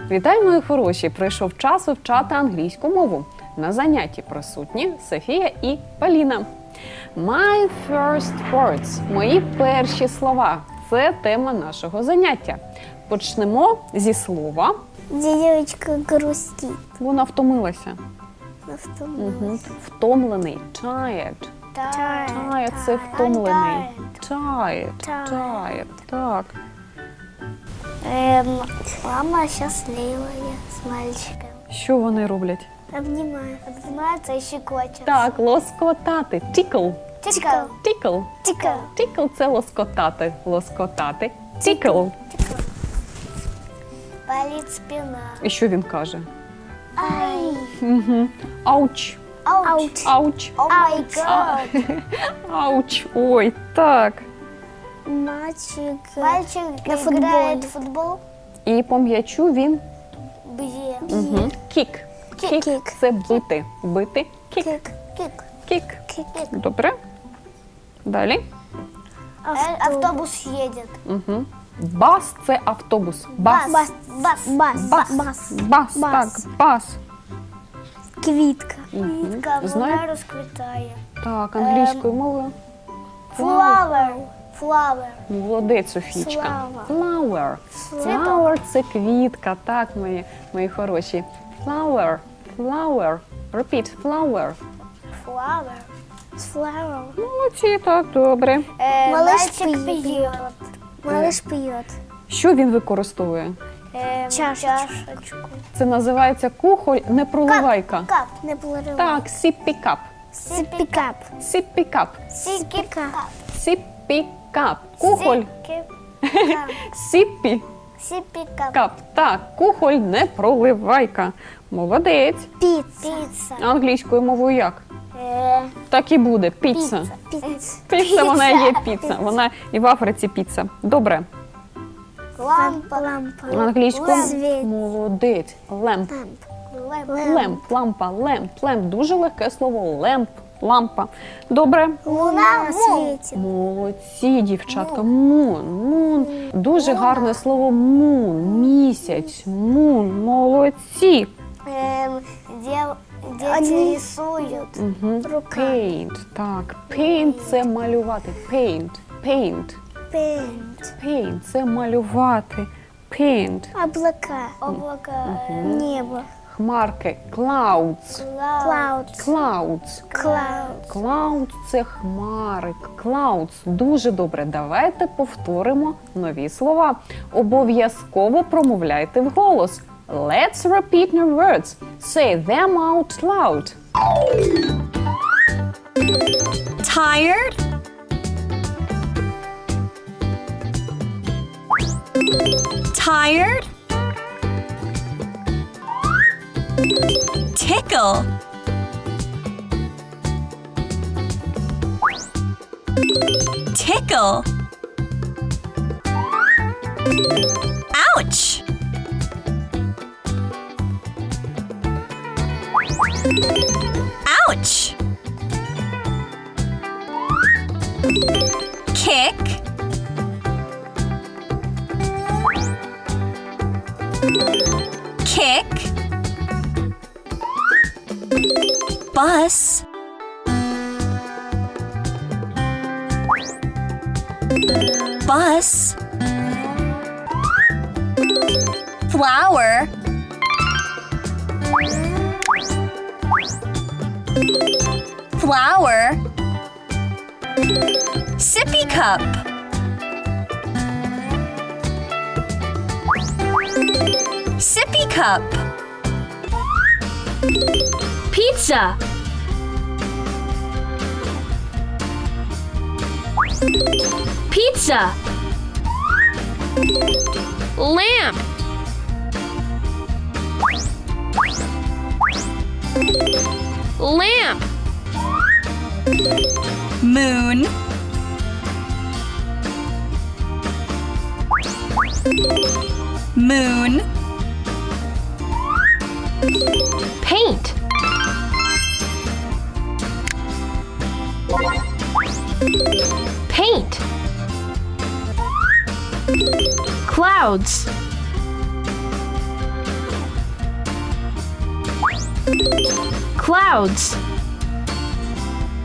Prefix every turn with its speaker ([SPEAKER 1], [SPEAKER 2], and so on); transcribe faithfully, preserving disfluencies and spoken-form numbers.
[SPEAKER 1] Вітаю, мої хороші! Прийшов час вивчати англійську мову. На занятті присутні Софія і Поліна. My first words – мої перші слова. Це тема нашого заняття. Почнемо зі слова.
[SPEAKER 2] Девочка грустит.
[SPEAKER 1] Вона втомилася. Угу. Втомлений. Tired. Tired – це втомлений. Tired. Tired. Так.
[SPEAKER 2] Эм, мама счастливая с мальчиком.
[SPEAKER 1] Що вони роблять?
[SPEAKER 2] Обнимают. Обнимаются и щекочут.
[SPEAKER 1] Так, лоскотати. Tickle.
[SPEAKER 2] Тикл.
[SPEAKER 1] Tickle.
[SPEAKER 2] Тикл.
[SPEAKER 1] Tickle – це лоскотати. Лоскотати. Tickle.
[SPEAKER 2] Болит спина.
[SPEAKER 1] І що він каже?
[SPEAKER 2] Ай.
[SPEAKER 1] Угу. Ауч.
[SPEAKER 2] Ауч.
[SPEAKER 1] Ауч.
[SPEAKER 2] О май гад.
[SPEAKER 1] Ауч. Ой, так.
[SPEAKER 2] Мальчик. Мальчик
[SPEAKER 3] на
[SPEAKER 2] играет в футбол.
[SPEAKER 1] І по м'ячу він
[SPEAKER 2] Бьет.
[SPEAKER 1] угу. Кік.
[SPEAKER 2] Кік.
[SPEAKER 1] Кік – це бити. Бити. Кік.
[SPEAKER 2] Кик. Кик.
[SPEAKER 1] Кік.
[SPEAKER 2] Кик.
[SPEAKER 1] Добре. Далі.
[SPEAKER 2] Э, Автобус едет.
[SPEAKER 1] Угу. Бас – це автобус. Бас.
[SPEAKER 2] Бас. Бас. Бас.
[SPEAKER 1] Бас.
[SPEAKER 2] Бас.
[SPEAKER 1] Бас.
[SPEAKER 2] Бас.
[SPEAKER 1] Так, бас.
[SPEAKER 2] Квітка.
[SPEAKER 1] Мгм.
[SPEAKER 2] Квітка,
[SPEAKER 1] Знаю.
[SPEAKER 2] вона розквітає.
[SPEAKER 1] Так, англійською мовою.
[SPEAKER 2] Flower. Flower.
[SPEAKER 1] Молодець, Софічка.
[SPEAKER 2] Flower.
[SPEAKER 1] Flower. Flower – це квітка, так, мої, мої хороші. Flower. Flower. Repeat. Flower.
[SPEAKER 2] Flower. Flower.
[SPEAKER 1] Молодці, так, добре.
[SPEAKER 2] Э,
[SPEAKER 3] Малыш
[SPEAKER 2] мальчик
[SPEAKER 3] пьет.
[SPEAKER 2] пьет.
[SPEAKER 3] Малыш пьет.
[SPEAKER 1] Що він використовує?
[SPEAKER 2] Эм,
[SPEAKER 3] Чашечку.
[SPEAKER 1] Це називається кухоль непроливайка.
[SPEAKER 2] Кап.
[SPEAKER 3] Не плавай.
[SPEAKER 1] Так, сіппі-кап.
[SPEAKER 3] Сипикап.
[SPEAKER 1] Сіппі-кап.
[SPEAKER 2] Сикипкап.
[SPEAKER 1] Сіппі-кап. Кухоль.
[SPEAKER 2] Сикипкап.
[SPEAKER 1] Сіппі.
[SPEAKER 2] Сипикап.
[SPEAKER 1] Кап. Так, кухоль непроливайка. Молодець.
[SPEAKER 3] Пицца.
[SPEAKER 2] Пицца.
[SPEAKER 1] Англійською мовою як?
[SPEAKER 2] Э,
[SPEAKER 1] Так і буде. Піца.
[SPEAKER 3] Пицца.
[SPEAKER 1] Піца, вона і є піца. Вона і в Африці піца. Добре.
[SPEAKER 2] Лампа.
[SPEAKER 3] Лампа.
[SPEAKER 1] Англійською
[SPEAKER 3] Світ.
[SPEAKER 1] молодець. Лемп.
[SPEAKER 2] Лампа.
[SPEAKER 1] Лемп, лампа, лемп, лемп. Дуже легке слово. Лемп, лампа. Добре.
[SPEAKER 2] Луна.
[SPEAKER 3] Светит.
[SPEAKER 1] Молодці, дівчатка. Мун, мун. Дуже гарне слово мун. Місяць, мун. Молодці.
[SPEAKER 2] Эм, дев- Дети рисуют.
[SPEAKER 1] Угу.
[SPEAKER 3] Рука.
[SPEAKER 1] Paint. Так, paint – це малювати. Paint, paint,
[SPEAKER 3] Пент.
[SPEAKER 1] paint – це малювати. Paint.
[SPEAKER 3] Облака.
[SPEAKER 2] Облако.
[SPEAKER 3] Небо.
[SPEAKER 1] Хмарки. Clouds.
[SPEAKER 2] Клауд.
[SPEAKER 3] Clouds.
[SPEAKER 1] Clouds.
[SPEAKER 3] Clouds.
[SPEAKER 1] Clouds – це хмари. Clouds. Дуже добре. Давайте повторимо нові слова. Обов'язково промовляйте вголос. Let's repeat new words. Say them out loud.
[SPEAKER 4] Tired? Tired? Tickle. Tickle. Ouch. Ouch. Kick. Kick. Bus. Bus. Flower. Flower. Sippy cup. Sippy cup. Pizza. Pizza. Lamp. Lamp. Moon. Moon. Paint. Paint. Clouds. Clouds.